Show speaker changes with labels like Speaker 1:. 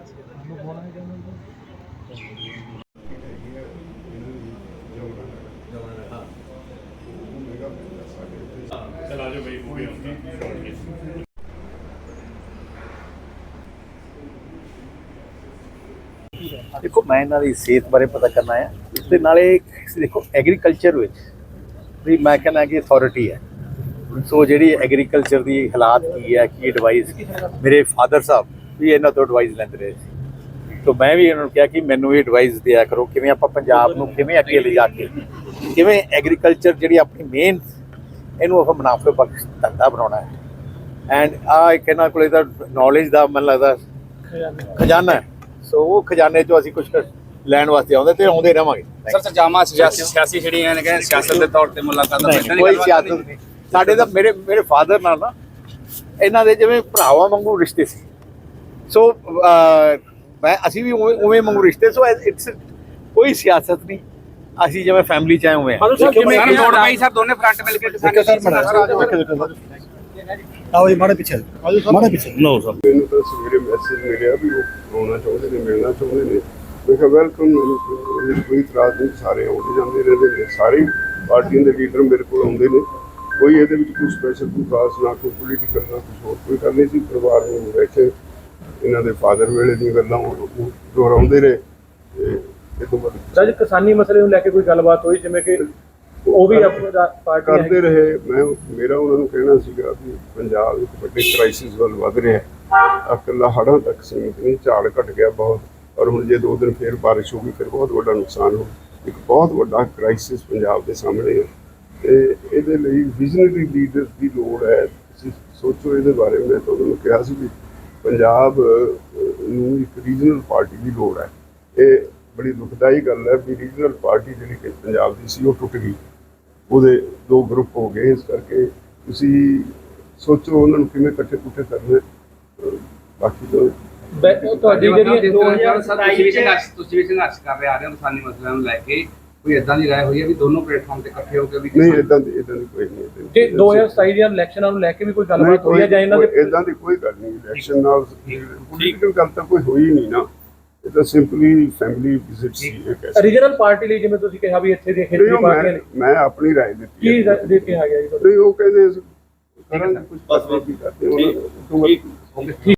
Speaker 1: चला जाओ भाई मूवी
Speaker 2: देखो मैं इन्हों की सेहत बारे पता करना है उसके नाले देखो एग्रीकल्चर भी मैं कहना कि अथॉरिटी है सो जी एग्रीकल्चर की हालात की है कि एडवाइस मेरे फादर साहब भी इन्हों तो एडवाइस लेंदे रहे तो मैं भी इन्होंने कहा कि मैनू भी एडवाइस दिया करो कि आप पंजाब को किवें अगे ले जाके किवें एग्रीकल्चर जी अपनी मेन इनू आप मुनाफे बख्श धंधा बनाना है एंड एक इन्हों को नॉलेज का मन लगता खजाना है सो वो खजाने चो असीं कुछ लैण वास्ते आउंदे ते आउंदे रहांगे
Speaker 3: सर सरजामा सियासी ਜਿਹੜੀਆਂ ਨੇ ਕਿ ਸਿਆਸਤ ਦੇ ਤੌਰ ਤੇ ਮੁਲਾਕਾਤਾਂ
Speaker 2: नहीं कोई सियासत नहीं साडे तां मेरे फादर नाल ना इन्हां दे जिवें भरावां वांगू रिश्ते सी सो मैं असीं भी उवें वांगू रिश्ते सो इट्स कोई सियासत नहीं असीं जिवें फैमिली च आए उवें
Speaker 3: ਸਰ ਜੋੜ ਪਾਈ ਸਰ ਦੋਨੇ ਫਰੰਟ ਮਿਲ ਕੇ ਕਿਸਾਨੀ
Speaker 4: आओ जी माड़े पीछे माड़े पीछे
Speaker 1: नो सर
Speaker 5: ਮੈਨੂੰ ਤਾਂ ਸਵੇਰੇ ਮੈਸੇਜ ਮਿਲਿਆ ਵੀ ਉਹ ਆਉਣਾ ਚਾਹੁੰਦੇ ਨੇ ਮਿਲਣਾ ਚਾਹੁੰਦੇ ਨੇ ਮੈਂ ਕਿਹਾ ਵੈਲਕਮ ਕੋਈ ਇਤਰਾਜ਼ ਨਹੀਂ ਸਾਰੇ ਆਉਂਦੇ ਜਾਂਦੇ ਰਹਿੰਦੇ ਨੇ ਸਾਰੇ ਪਾਰਟੀਆਂ ਦੇ ਲੀਡਰ ਮੇਰੇ ਕੋਲ ਆਉਂਦੇ ਨੇ ਕੋਈ ਇਹਦੇ ਵਿੱਚ ਕੋਈ ਸਪੈਸ਼ਲ ਕੋਈ ਖਾਸ ਨਾ ਕੋਈ ਪੋਲੀਟੀਕਲ ਨਾ ਕੁਝ ਹੋਰ ਕੋਈ ਗੱਲ ਨਹੀਂ ਸੀ ਪਰਿਵਾਰ ਨੂੰ ਬੈਠੇ ਇਹਨਾਂ ਦੇ ਫਾਦਰ ਵੇਲੇ ਦੀਆਂ ਗੱਲਾਂ ਦੁਹਰਾਉਂਦੇ ਰਹੇ ਤੇ ਇਹ ਤੋਂ ਬਾਅਦ
Speaker 4: ਸਰ ਕਿਸਾਨੀ ਮਸਲੇ ਨੂੰ ਲੈ ਕੇ ਕੋਈ ਗੱਲਬਾਤ ਹੋਈ ਜਿਵੇਂ ਕਿ ਉਹ ਵੀ ਆਪਣਾ ਪਾਰਟੀ
Speaker 5: ਕਰਦੇ ਰਹੇ ਮੈਂ ਮੇਰਾ ਉਹਨਾਂ ਨੂੰ ਕਹਿਣਾ ਸੀਗਾ ਵੀ ਪੰਜਾਬ ਇੱਕ ਵੱਡੇ ਕ੍ਰਾਈਸਿਸ ਵੱਲ ਵਧ ਰਿਹਾ ਹੈ ਇਕੱਲਾ ਹੜ੍ਹਾਂ ਤੱਕ ਸੀਮਿਤ ਨਹੀਂ ਝਾੜ ਘਟ ਗਿਆ ਬਹੁਤ ਔਰ ਹੁਣ ਜੇ 2 ਦਿਨ ਫਿਰ ਬਾਰਿਸ਼ ਹੋ ਗਈ ਫਿਰ ਬਹੁਤ ਵੱਡਾ ਨੁਕਸਾਨ ਹੋ ਇੱਕ ਬਹੁਤ ਵੱਡਾ ਕ੍ਰਾਈਸਿਸ ਪੰਜਾਬ ਦੇ ਸਾਹਮਣੇ ਹੈ ਤੇ ਇਹਦੇ ਲਈ ਵਿਜ਼ਨਰੀ ਲੀਡਰਸ ਦੀ ਲੋੜ ਹੈ ਤੁਸੀਂ ਸੋਚੋ ਇਹਦੇ ਬਾਰੇ ਮੈਂ ਤੁਹਾਨੂੰ ਕਿਹਾ ਸੀ ਵੀ ਪੰਜਾਬ ਨੂੰ ਇੱਕ ਰੀਜਨਲ ਪਾਰਟੀ ਦੀ ਲੋੜ ਹੈ ਇਹ ਬੜੀ ਦੁਖਦਾਈ ਗੱਲ ਹੈ ਵੀ ਰੀਜਨਲ ਪਾਰਟੀ ਜਿਹੜੀ ਕਿ ਪੰਜਾਬ ਦੀ ਸੀ ਉਹ ਟੁੱਟ ਗਈ ਉਹਦੇ 2 ਗਰੁੱਪ ਹੋ ਗਏ ਇਸ ਕਰਕੇ ਤੁਸੀਂ ਸੋਚੋ ਉਹਨਾਂ ਨੂੰ ਕਿਵੇਂ ਇਕੱਠੇ ਕਰਨੇ ਬਾਕੀ ਤਾਂ
Speaker 4: ਤੁਹਾਡੀ ਜਿਹੜੀ
Speaker 3: 2027 ਤੁਸੀਂ ਵੀ ਸੰਘਰਸ਼ ਕਰ ਰਹੇ ਆ ਰਹੇ ਹੋ ਕਿਸਾਨੀ ਮਸਲਿਆਂ ਨੂੰ ਲੈ ਕੇ ਕੋਈ ਇਦਾਂ ਦੀ ਰਾਏ ਹੋਈ ਹੈ ਵੀ ਦੋਨੋਂ ਪਲੇਟਫਾਰਮ ਤੇ ਇਕੱਠੇ ਹੋ ਕੇ ਵੀ
Speaker 5: ਨਹੀਂ ਇਦਾਂ ਦੀ ਕੋਈ ਨਹੀਂ
Speaker 4: ਜੇ 2027 ਦੀਆਂ ਇਲੈਕਸ਼ਨਾਂ ਨੂੰ ਲੈ ਕੇ ਵੀ ਕੋਈ ਗੱਲਬਾਤ ਹੋਈ ਹੈ ਜਾਂ ਇਹਨਾਂ ਦੇ
Speaker 5: ਇਦਾਂ ਦੀ ਕੋਈ ਗੱਲ ਨਹੀਂ ਇਲੈਕਸ਼ਨ ਨਾਲ ਪੋਲੀਟੀਕਲ ਗੱਲ ਤਾਂ ਕੋਈ ਹੋਈ ਨਹੀਂ ਨਾ ਇਹ ਤਾਂ ਸਿੰਪਲੀ ਫੈਮਿਲੀ ਵਿਜ਼ਿਟ ਸੀ ਇੱਕ
Speaker 4: ਰੀਜਨਲ ਪਾਰਟੀ ਲਈ ਜਿਵੇਂ ਤੁਸੀਂ ਕਿਹਾ ਵੀ ਇੱਥੇ ਦੇ ਖੇਤਰੀ ਪਾਰਟੀਆਂ ਨੇ
Speaker 5: ਮੈਂ ਆਪਣੀ ਰਾਏ ਦਿੱਤੀ
Speaker 4: ਕੀ ਦੇ ਕੇ ਆ ਗਿਆ ਜੀ
Speaker 5: ਨਹੀਂ ਉਹ ਕਹਿੰਦੇ ਕਰਾਂਗੇ ਕੁਝ ਪਾਸ ਨਹੀਂ ਕਰਦੇ ਉਹਨਾਂ